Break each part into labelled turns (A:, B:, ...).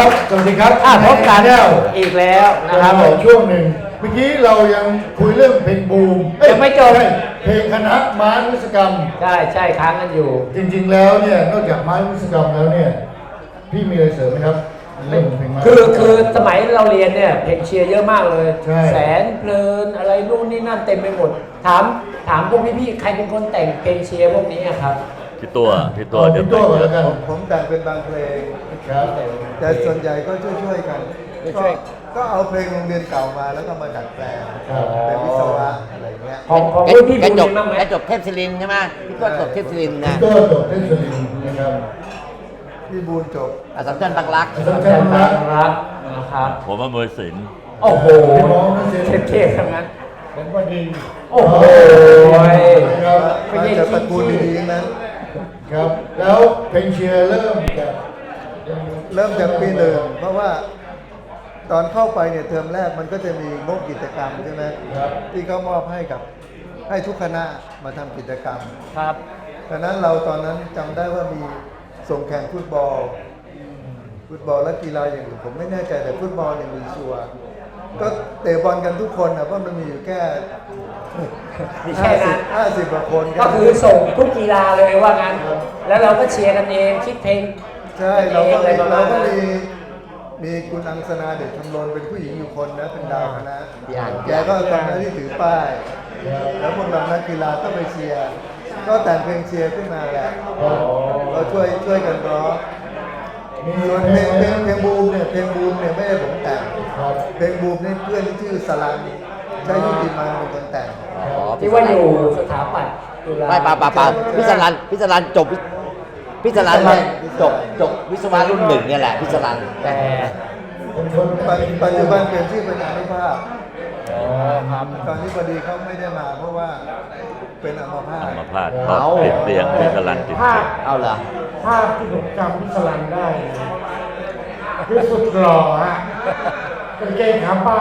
A: ครับสวัสดีครับ
B: พบกัน
A: แล้ว
B: อีกแล้วนะครับ
A: ช่วงหนึ่งเมื่อกี้เรายังคุยเรื่องเพลงบูม
B: ยังไม่จบ
A: เพลงคณะม้านุสกรรม
B: ใช่ค้างกันอยู่
A: จริงๆแล้วเนี่ยนอกจากม้านุสกรรมแล้วเนี่ยพี่มีอะไรเสริมไหมครับเรื่องเพลงม้า
B: คือสมัยเราเรียนเนี่ยเพลงเชียร์เยอะมากเลย
A: ใช่
B: แสนเพลินอะไรนู่นนี่นั่นเต็มไปหมดถามพวกพี่ๆใครเป็นคนแต่งเพลงเชียร์พวกนี้อะครับ
C: พี่ตัว
A: พี่ตัวก่อนแล้วกัน
D: ผมแต่งเป็นบางเพลง
A: ครับ
D: แต่ส่วนใหญ่ก็ช่วยๆกัน
B: ช่วย
D: ก็เอาเพลงโรงเรียนเก่ามาแล้วก็มาดัดแปลงเป็นวิศวะอะไรเงี้ย
B: ของรุ่นพี่
E: กระจ
B: บุ
E: ก
B: ญบ้างไหม
E: กระจกเทพศิรินทร์ใช่ไหมพี่ก็จบเทพศิรินทร์นะ
A: พี่ตัวจบเทศสลินนะครับ
D: พี่บูนจบ
E: อัสสัมชัญบางรัก
A: อาจารย์
B: อา
A: ชั
B: จาร
A: น
B: ย์
A: นะ
B: บางรักนะครับ
C: ผมอำนวยศิลป์
B: โอ้โห
A: พี่น้องนะเสีย
B: เท่ๆทั้งนั้น
A: ผมก็ดี
B: โอ้โห
A: ครับ
B: ไม่ใช่
D: มาจากตระกูลดีๆนั้น
A: ครับแล้วเพลงเชียร์เริ่มจาก
D: เริ่มจากปีหนึ่งเพราะว่าตอนเข้าไปเนี่ยเทอมแรกมันก็จะมีงบกิจกรรมใช่ไหม
A: ครับ
D: ที่เขามอบให้ทุกคณะมาทำกิจกรรม
B: ครับ
D: ดังนั้นเราตอนนั้นจำได้ว่ามีส่งแข่งฟุตบอลและกีฬาอย่างอื่นผมไม่แน่ใจแต่ฟุตบอลเนี่ยมีชัวร์ก็เตะบอลกันทุกคนนะเพราะมันมีอยู่แค่
B: มีแค่นั้น
D: 50กว่าคน
B: ก็คือส่งทุกกีฬาเลยว่างั้น แล้วเราก็เชียร์กันเองคิดเพลง
D: ใช่
B: กันเองอะไรประมาณนั้น
D: มีคุณอังสนาเดชชมรนเป็นผู้หญิงอยู่คนนะเป็นดาวคณะ
E: พี่อ่าน
D: แกก็ตอนนั้นที่ถือป้าย แล้วพวกเรานักกีฬาก็ไปเชียร์ก็แต่งเพลงเชียร์ขึ้นมาแหละเราช่วยกันร้อง
A: มี
D: ส่วน
A: เพ
D: เพ
A: ล
D: ล
A: ง
D: งบูมเนี่ยไม่ได้ผมแต่ง
A: ครับ
D: เพลงบูมนี่เพื่อนที่ชื่อสลันใช้ยุติมันเป็นคนแต่ง
E: อ๋อ
B: ที่ว่าอยู่สถาปัตย์จุฬา
E: ไม่ป่าพิศรันจบพิศรันเนี่ยจบวิศวะรุ่นหนึ่งเนี่ยแหละพิศรัน
B: แต่
A: เป็นคน
D: ปัจจุบันเปลี่ยนชื่อเป็นอนุภาพ
B: ครับ
D: ตอนนี้พอดีเขาไม่ได้มาเพราะว่าเป็นอัมพาต
C: มาพลาดเพราะติดเตียงติดกระลันติด
F: ภา
C: เตี
F: พ
C: ยง
E: เอาเหรอ
F: ภาพที่ผมจำพิสลันได้คือสุดหล่อฮะกางเกงขาบาน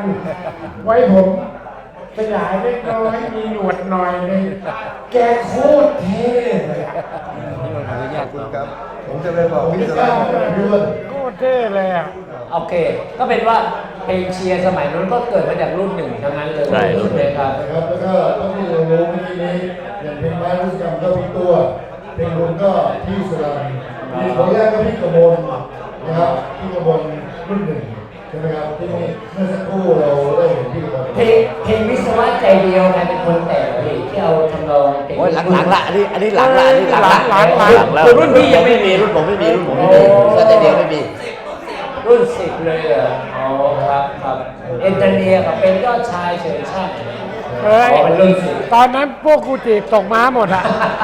F: ไว้ผมสยายเล็กน้อยมีหนวดหน่อยหนึงแกโคตรเท่เลยอะ
D: ขอบคุณครับ ผมจะไปบอก
A: ผม
D: พี่
A: ไม่
D: ส
A: ทรา
D: ลั
A: บ
D: น
A: ว่าเดือน
F: โคตรเท่เลยอ่ะ
B: โอเค ก็เป็นว่าเพลงเชียร์สมัยนู้นก็เกิดมาจากรุ่นหนึ่งทั้งนั้นเลย
C: ใช่
B: ใช่ไหมครับ
A: นะครับแล้วก็ต้องที่เรารู้เมื่อกี้นี้อย่างเพลงม้านุสกรรมก็พี่ตัวเพลงบุญก็พี่สุรันมีคนแรกก็พี่กมลนะครับพี่กมลรุ่นหนึ่งใช่ไหมครับที่เมื่อสักครู่เราได้เห็นพี่กมล
B: เพลงวิศวะใจเดียวใครเป็นคนแต่งเพลงที่เอาทำนองเพลง
E: โอ้ยหลังๆละอันนี้หลังละอันนี้หลังละ
F: หลัง
C: แล้ว
B: คือรุ่นพี่ยังไม่มี
E: รุ่นผมไม่มีก็แต่เดียวไม่มี
B: รุ่นสิบเลยเหรออ๋อครับเอนจิเนียร์กับเป็นยอดชายเฉยชาติ
F: เฮ้ย
B: อ๋อเป็นรุ่นสิบ
F: ตอนนั้นพวกกูจีบตกม้าหมดอ่ะ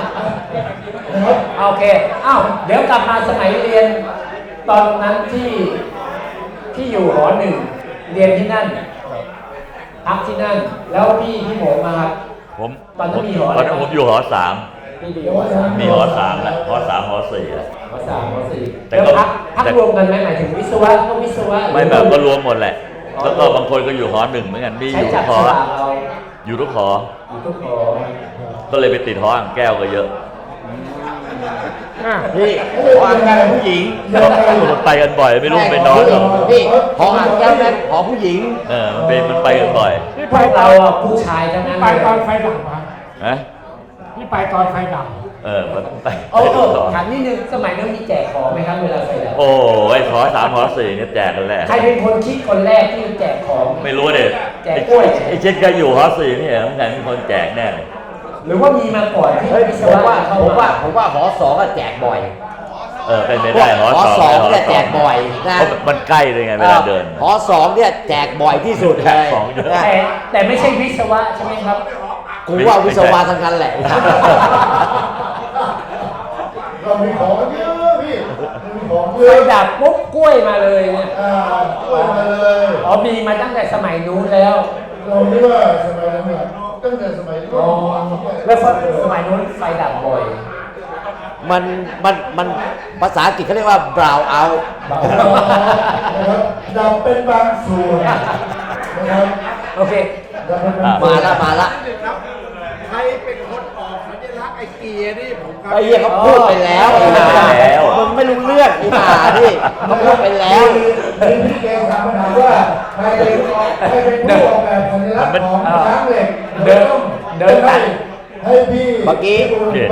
B: โอเค เดี๋ยวกลับมาสมัยเรียนตอนนั้นที่อยู่หอหนึ่งเรียนที่นั่นพักที่นั่น แล้วพี่หมมาครับ
C: ผม
B: ตอนนั้นมีหออะไร
C: ตอนนั้นผมอยู่หอสาม
B: พี่อยู่หอสาม
C: มีหอสามแล้วหอสามหอสี่แล้ว
B: หอสามหอสี่
C: แต่
B: แล้ว
C: ก็
B: พักรวมกันไหมหมายถึงวิศวะก็วิศวะ
C: ไม่แบบก็รวมหมดแหละ แล้วก็บางคนก็อยู่หอหนึ่งเหมือนกันมีอ
B: ใช้
C: ยู่
B: จั
C: ทุ
B: บ
C: กหอ
B: ฉลากเอา
C: อยู่ทุกหอ
B: อยู่ทุกหอ
C: ก็เลยไปติดหออ่างแก้วก็เยอะ
E: พี่หออ่างแก้วเป็นผู้หญิง
C: มันไปกันบ่อยไม่รู้ไปนอนหรอก
E: พี่หออ่างแก้วนั้นหอผู้หญิง
C: มันไปกันบ่อย
F: พี่
B: พ
F: ไป
B: วก
F: ตอ
B: เรา
F: น
B: อะผู้ชายทั้งนั้น
F: ไป
B: เลย
F: ตอนไฟดับอ่ะ
C: ฮะ
F: พี่ไปตอนไฟดับ
C: มันไป
B: โอ้
C: ไปทุกหอ
B: ถามนิดนึงสมัยนั้นมีแจกของไหมครับเวลาใส่ดับ
C: โอ้ยหอสามหอสี่เนี่ยแจกกันแหละ
B: ใครเป็นคนคิดคนแรกที่แจกของ
C: ไม่รู้เด็
B: แจกกล้วย
C: ไอ้เช็ดก็อยู่หอสี่นี่เหรอเหมือนกันมีคนแจกแน่เลย
B: หรือว่ามีมาก่อนที่
E: เฮ้ย
B: วิศ
E: ผม
B: วะ
E: ว่า
B: เข้า
E: ผม
B: มา
E: ว่าหอสองก็แจกบ่อย
C: เป็นไปได้หอ
E: หอ
C: ส
E: ส
C: อ
E: อง งเนี่ยแจกบ่อยนะ
C: เพราะมันใกล้เลยไงเวลาเดิน
E: หอสองเนี่ยแจกบ่อยที่สุดเลย
C: แจกของเยอะ
E: นะ
B: แต่ไม่ใช่วิศวะใช่ไหมครับ
E: กูว่าวิศวะทั้งนั้นแหละ
A: เรามีของเยอะพี่มีของเย
B: ไฟ
A: อะ
B: ดับปุ๊บกล้วยมาเลยเนี่ย
A: กล้วยมาเลย
B: อ๋อมีมาตั้งแต่สมัยนู้นแล้ว
A: เราคิดว่าสมัยนั้นเนี่ยตั้งแต่สมัยรุ่
B: อ๋อน แล้วสมัยนู้นไฟดับบ่อย
E: มันภาษาอังกฤษเขาเรียกว่า brown out
A: นะครับดับเป็นบางส่วนนะครับ
B: โอเค
A: ดับเป็นบางส่วน
E: มาละ
A: ค
G: รเป็นคนออกสัญลักษณ์ไอ้เกียร์นี่ผมครับ
E: ไอ้เหี้ยเขาพูดไปแล้วไอ้ห่า
C: แล้ว
E: มึงไม่รู้เรื่องไอ้ห่านี่เขาพูดไปแล้ว
A: มีพี่แกถามปัญหาว่าใครเป็นผู้ออกแบบสัญลักษณ์ของช้างเหล็ก
B: เดินตัด
A: ให้พี่
E: เมื่อกี้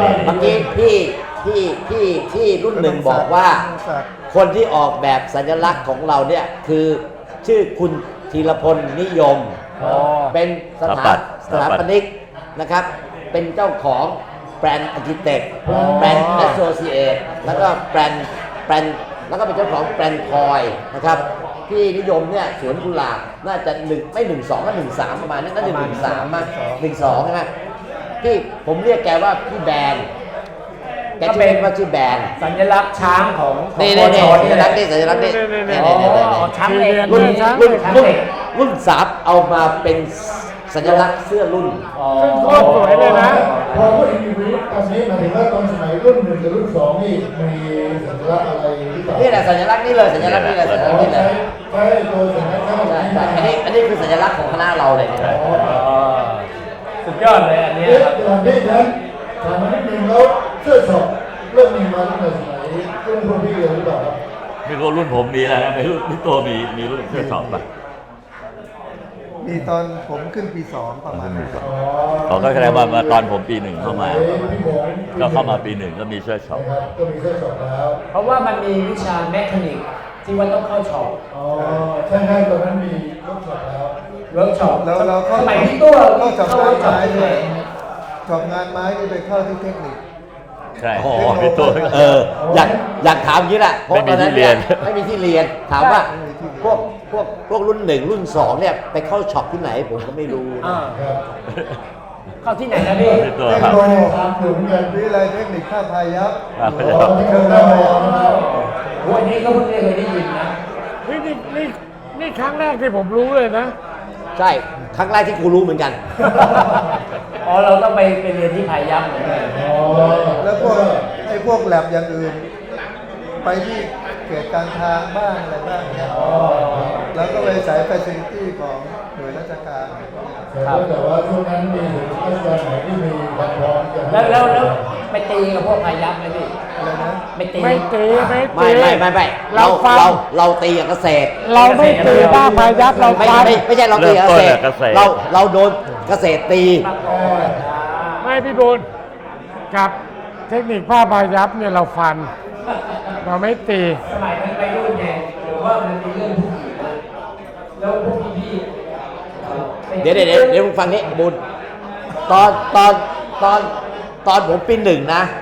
E: พี่รุ่นหนึ่งบอกว่า คนที่ออกแบบสัญลักษณ์ของเราเนี่ยคือชื่อคุณธีรพลนิยม เป็นสถาปนิกนะครับ เป็นเจ้าของแบรนด์อาร์คิเต็กแบรนด์แอสโซเชตแล้วก็แบรนด์แล้วก็เป็นเจ้าของแบรนด์พลอยนะครับพี่นิยมเนี่ยสวนกุหลาบน่าจะไม่12ก็13ประมาณนั้นน่าจะ13มั้ง12ใช่ไหมพี่ผมเรียกแกว่าพี่แบรนด์แกชื่อว่าชื่อแบรนด์
B: สัญลักษณ์ช้างของ
E: นี่
B: โคช
E: สัญลักษณ์นี่สัญลักษณ์นี่
B: อ๋อช้างเหล็ก
E: รุ่น3เอามาเป็นสัญลักษณ์เสื้อรุ่น
F: ซึ่งโคตรสวยเลยนะ
A: พอพูดถึงอีกตอนนี้หมายถึงว่าตอนสมัยรุ่น1กับรุ่น2นี่มีสัญลักษณ์อะไรหรือเปล่า
E: นี่แหละสัญลักษณ์นี่เลยสัญลักษณ์นี่เลยสัญลักษณ์นี่เลย
A: ใช่ตัวสัญลักษณ์ข้างหลัง
E: ใช่อันนี้คือสัญลักษณ์ของคณะเราเลยเนี่ย
B: สุดยอดเลยอันเนี้ย
A: เอ๊ะ
B: ครับ
A: เดี๋ยวพี่นั้นถามมานิดนึงแล้วเสื้อช็อปเริ่มมีมาตั้งแต่สมัยรุ่นพวกพี่เลยหรือเปล่าครับ
C: ไม่รู้รุ่นผมมีแล้วนะไม่รู้รุ่นตัวมีรุ่นเสื้อช็อปป่ะ
D: มีตอนผมขึ้นปี 2 ประมาณนั้น
C: เขาก็แสดงว่ามาตอนผมปี 1เข้ามา
A: พี่หมง
C: ก็เข้ามาปี 1ก็มีเสื้อช็อป
A: นะครับก็มีเสื้อช็อปแล้ว
B: เพราะว่ามันมีวิชาแมคานิกที่ว่าต้องเข้าช็อป
A: อ๋อใช่ใช่ตอนนั้นมีเสื้อช็อปแล้ว
B: เวิร์กช็อป
D: แล้วเราเข้า
B: สมัยที่ตัว
D: เข้าช็อป
B: เข้าง
D: าน
B: เวิร์กช็อป
D: ไม้
B: ที่
D: ด้
B: ไหน
D: วยช็อปงานไม้นี่ไปเข้าที่เทคนิค
C: ใช่
E: โอ้โห
C: มีตัว
E: อยากถามอย่างนี้แหละเพราะ
C: ไม่มี
E: ตอนนั้น
C: ที่เรียน
E: ไม่มีที่เรียนถามว่าพวกรุ่น1รุ่น2เนี่ยไปเข้าช็อปที่ไหนผมก็ไม่รู้
B: อ่า
A: ครับ
B: เข้าที่ไหนนะพี่
C: มีตัว
D: เทค
C: ครับ
D: โน
A: ถามถึงกัน
D: วิทยาลัยเทคนิคท่าพายัพ
C: ครับ
A: อ๋อที่เคยได้มานะครับ
B: โอ้ยอันนี้ก็เพิ่งเคยได้ยินนะ
F: นี่ครั้งแรกที่ผมรู้เลยนะ
E: ใช่ครั้งแรกที่กูรู้เหมือนกัน
B: อ๋อเราต้องไปเรียนที่พายัพเหมือนกัน
A: อ๋อ
D: แล้วพวกแลบอย่างอื่น ไปที่เขตการทางบ้างอะไรบ้างเนี่ยแล้วก็เลยสาย facility ของหน่วยราชการ
A: แต่ว่าช่วงนั้นมีถึงราชการไหนที่มีความพร้อมจะ
B: แล้วไปตีกับพวกพายัพไหมพี่
D: อะไรนะ
B: ไปตี
F: ไม่ตี
E: ไม่เราตีกับเกษตร
F: เราไม่ตีบ้าพายัพเรา
E: ไม่
F: ฟัน
E: ไม่ใช่เราตีกับเกษตร
C: เริ่มต้นกับเกษตร
E: เราโดนเกษตรตี
F: ไม่พี่บุญกับเทคนิคผ้าพายัพเนี่ยเราฟัน เราไม่ตี
B: สมัยนั้นไปรุ่นไงหรือว่ามันมีเรื่องผู้หญิงนะแล้วพวกพี่ๆ
E: เดี๋ยวมึงฟังนี้บุญตอนผมปี 1นะ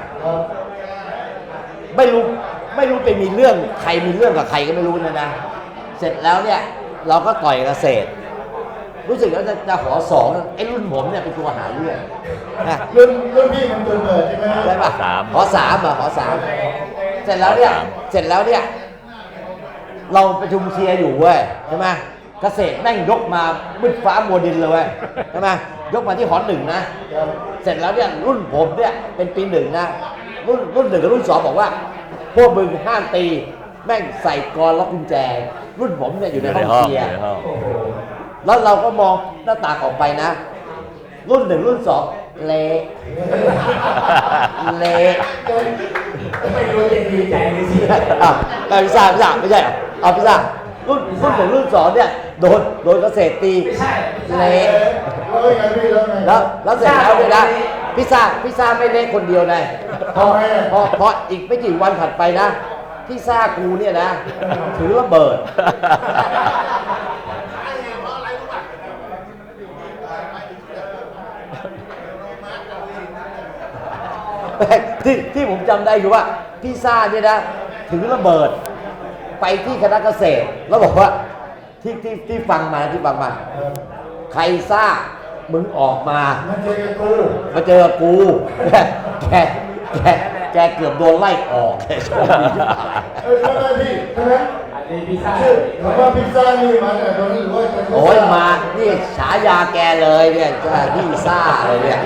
E: ไม่รู้ไปมีเรื่องใครมีเรื่องกับใครก็ไม่รู้นะเสร็จแล้วเนี่ยเราก็ต่อยเกษตร รู้สึกว่าจะขอ2ไอ้รุ่นผมเนี่ยเป็นตัวหาเรื่องนะ
A: รุ่นพี่มันตัวเปิดใช่ไหม
E: ใช่ป่ะ
C: 3
E: ขอ3อ่ะขอ3เสร็จแล้วเนี่ยเราประชุมเชียร์อยู่เว้ยใช่ไหมเกษตรแม่งยกมามืดฟ้ามัวดินเลยเว้ยใช่ไหมยกมาที่หอ1นะเสร็จแล้วเนี่ยรุ่นผมเนี่ยเป็นปี 1นะรุ่น1กับรุ่น2บอกว่าพวกมึงห้ามตีแม่งใส่กรล็อกกุญแจ รุ่นผมเนี่ยอยู่ในห้องเชียร์ แล้วเราก็มองหน้าต่างออกไปนะ รุ่น1รุ่น2เละเละ
B: ไม่รู้จะดีใจหรือเสียใจ
E: พิซซ่าไม่ใช่เอาพิซซ่ารุ่น1รุ่น2เนี่ยโดนเกษตรตี
B: ไม่ใช่
E: เละ
A: แล้วไงพี่แล้วไง
E: แล้วเสร็จแล้วเนี่ยนะพิซซ่าไม่เละคนเดียวนะพออีกไม่กี่วันถัดไปนะพิซซ่ากูเนี่ยนะถือระเบิด ที่ผมจำได้คือว่าพี่ซ่าเนี่ยนะถือระเบิดไปที่คณะเกษตร แล้วบอกว่าที่ฟังมาใครซ่ามึงออกมา
A: มาเจอกับกู
E: มาเจอกูแกเกือบโดนไล่ออกแกโชคดีที่ตาย
A: ใช่ไหมพี่ใช่ไหม
B: อันนี้พิซซ่า
A: หรือว่าพิซซ่านี่มาแต่ตอนนี้หรือว่าจะ
E: โอ้ยมานี่ฉายาแกเลยเนี่ยพี่ซ่าเลยเนี่ย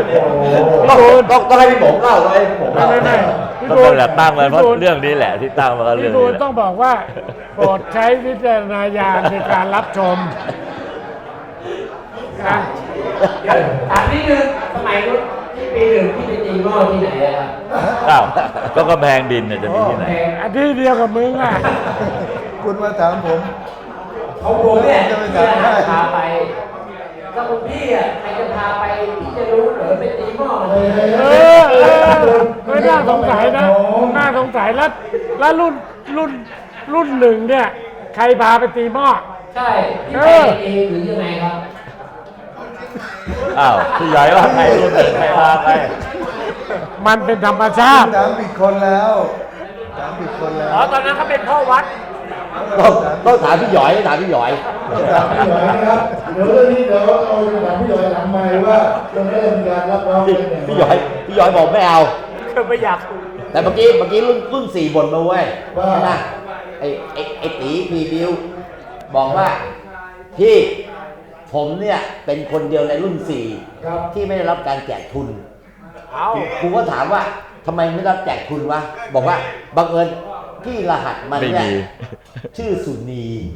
E: ต้องให้พี่หมงเล่าต้องให้พี่หมงเล่า
F: ไม่พี่
C: ก็
F: บุ
C: ต้อ
F: ญ
C: งแหละตั้งมันเพราะเรื่องนี้แหละที่ตั้งมาก็เรื่
F: พี่
C: อง
F: บุ
C: นี้
F: ญ
C: แหละ
F: ต้องบอกว่าโปรดใช้วิจารณญาณในการรับชมนะ
B: เดี๋ยวถามนิดนึงสมัยนู้นที่ปีหนึ่งที่ไปตีหม้อที่ไหนอะครับ
C: อ้าวก็กำแพงดินเนี่ยจะมีที่ไหน
F: อันที่เดียวกับมึงอ่ะ
D: คุณมาถามผม
B: เขาผมเนี่ย
D: จะไป
B: ที่
D: ถามได้
B: พาไปก็คุณพี่อ่ะใครจะพาไปพี่จะรู้เหรอไปตีหม้อมัน
F: น่าสงสัยนะน่าสงสัยแล้วรุ่นหนึ่งเนี่ย ใครพาไปตีหม้อ
B: ใช่พี่ไปเองหรือยังไงครับ
C: อ้าวพี่ใหญ่ว่าใครรุ่นหนึ่งใครพาไป
F: มันเป็นธรรมชาติ
D: ถามผิดคนแล้วถามผิดคนแล้ว
B: อ๋อตอนนั้นเขาเป็นพ่อวัด
E: ต้องถามพี่หยอยถามพี่หยอย
A: ถามพี่หยอยนะครับเดี๋ยวเรื่องนี้เดี๋ยวเอาไปถามพี่หยอยหลังไมค์ว่าตรงนี้มีการรับรองเป็นอย่างไร
E: พี่หยอยบอกไม่เอา
B: คือไม่อยาก
E: แต่เมื่อกี้รุ่นสี่บ่นมาเว้ยใช่ไหมไอ้ตีพีบิวบอกว่าพี่ผมเนี่ยเป็นคนเดียวในรุ่นสี่
A: ครับ
E: ที่ไม่ได้รับการแจกทุน
B: เอา
E: ครูก็ถามว่าทำไมไม่รับแจกทุนวะบอกว่าบังเอิญที่รหัสมันเนี่ย
C: ไม่มี
E: ชื่อสุนี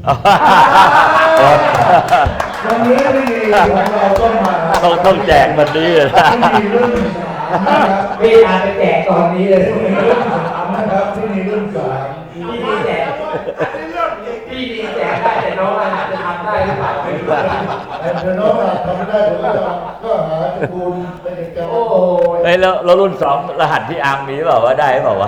A: วันนี้ไม่มีของเราก็มา
C: ต้องแจกวันนี้เลยนะ
A: ไม่มีรุ่นสามนะครับ
B: พี่อาไปแจกตอนนี้เลย
A: ไม่มีรุ่นสามนะครับที่มีรุ่นสาม
B: พี่ดีแจกพี่ดีแจกได้แต่น้องอาจจะทำได้หรือเปล่าไม่รู้
A: เดี๋ยวน้องทำไม่ได้ผมก็หาตระกูลเป็นเอกลักษณ์
B: โอ้โห
C: เฮ้ยแล้วรุ่นสองรหัสที่อาร์มมีเปล่าว่าได้เปล่าวะ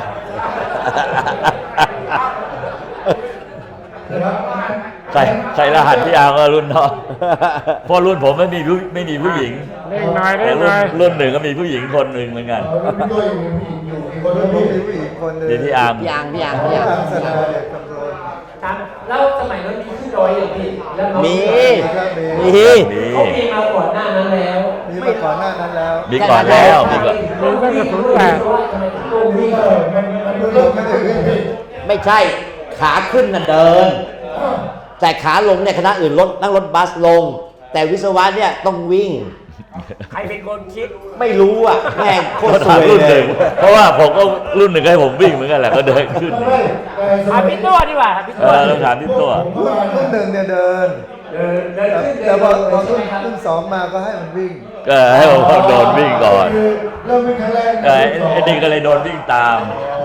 A: นะครับ
C: ใส่รหัสที่อาร์มก็รุ่นน้องเพราะรุ่นผมไม่มีผู้หญิง
F: เร่งหน่อย
C: แต่
F: เร่งหน่อย
C: รุ่นหนึ่งก็มีผู้หญิงคนหนึ่งเหมือนกัน
A: เอาแล้วพี่ก็ยังมีผู้หญิงอยู่อีกคนนึง
D: มี
A: พี่
D: ผู้หญิงคนหนึ่ง
C: ดีที่อาร์ม
E: พี่อัง
D: พี่อังสนาเด็กคำรณ
B: ครับแล้วสมัยนั้นมีขึ้นดอยอย่างพี่แล้วน้อง
E: มี
D: ครับมี
E: มี
B: เขามีมาก่อนหน้านั้นแล้ว
D: มีมาก่อนหน้านั้นแล้ว
C: มีก่อนแล้วมีก่อน
F: มีตั้งแต่ศูนย์แปด
B: ทำไมถึงต้องวิ่ง
A: มันเริ่มไม่ได้วิ่งพี่
E: ไม่ใช่ขาขึ้นน่ะเดิน แต่ขาลงเนี่ยคณะอื่นนั่งรถบัสลง แต่วิศวะเนี่ยต้องวิ่ง
B: ใครเป็นคนคิด
E: ไม่รู้อ่ะแม่งโคตรส
C: ถาม
E: วย
C: รุ่นห
E: เล
C: นึ่
E: ย
C: งเพราะว่าผมก็รุ่นหนึ่งให้ผมวิ่งเหมือนกันแหละก็เดินขึ้น
A: ไม่แต่ส
B: ถาม
A: มัย
B: พี่ตัวดีกว่าถามพี่
C: เอ
B: ตัว
C: อต้องถามที่ตัว
D: รุ่นหนึ่งเนี่ยเดิน
B: เดินขึ้นเดิ
D: แต่
B: น
D: พอ
B: ลง
D: รุ่
B: ใช่ไหมครับ
D: นสองมาก็ให้มันวิ่ง
C: ก็ให้ผมโดนวิ่งก่อน
A: คือเริ่มวิ่งครั้งแรก
C: ไอ้นี่ก็เลยโดนวิ่งตาม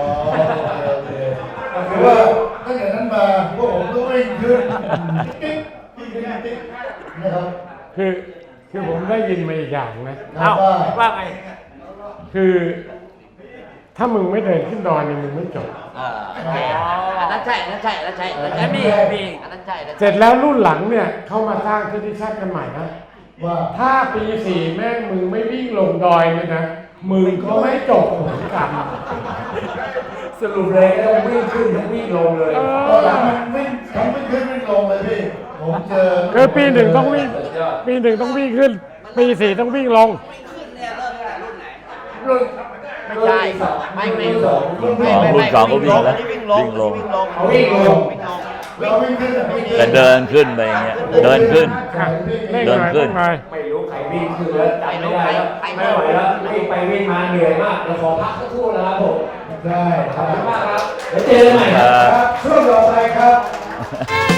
A: คือว่าตั้งแต่นั้นมาพวกผมก็วิ่งขึ้นติ๊กติ๊กนะครับ
F: คือผมได้ยินมาอีกอย่างนะ
B: เอ้าว่าไง
F: คือถ้ามึงไม่เดินขึ้นดอยเนี่ยมึงไม่จบ
E: อันนั้นใช่อันนั้นใช่อันนั้นใช่อันนั้น
B: แล้ว
E: ใช่
B: มี
E: อันนั้นใช่อันนั้น
F: เสร็จแล้วรุ่นหลังเนี่ยเข้ามาสร้างที่ชาติกันใหม่นะ
A: ว่า
F: ถ้าปีสี่แม่งมึงไม่วิ่งลงดอยเลยนะมึงก็ไม่จบเหมือนกัน
B: สรุปเลยก็ต้องวิ่งขึ้นทั้งวิ่งลงเลย
A: ตอนหลังมันวิ่งทั้งวิ่งขึ้นวิ่งลงเลยพี่ผมเจอ
F: คือปีหนึ่งต้องวิ่งปีหนึ่งต้องวิ่งขึ้น ปีสี่ต้องวิ่งลง
A: รุ่น
E: ไม่ใช่ไม่
C: รุ่นสองก็วิ่งแล้ววิ่งลง
B: เขาวิ่งลง
A: เราวิ่งขึ้นอะวิ่ง
C: แต่เดินขึ้นไปอย่างเงี้ยเดินขึ้น
F: เร่ง
C: เดิ
F: ห
C: น
F: น่อย
C: ขึ้น
F: เร่งหน่อย
B: ไม่รู้ใครวิ่งขึ้นแล้วจำไม่ได้แล้วไม่ไหวแล้ววิ่งไปวิ่งมาเหนื่อยมากเดี๋ยวขอพักสักครู่นะครับผม
A: ได้ค
B: ข
A: รั
B: อ
A: บบ
B: คุณมากครับเดี๋ยวเจอกันใหม่ครับ
A: ช่วงต่อไปครับ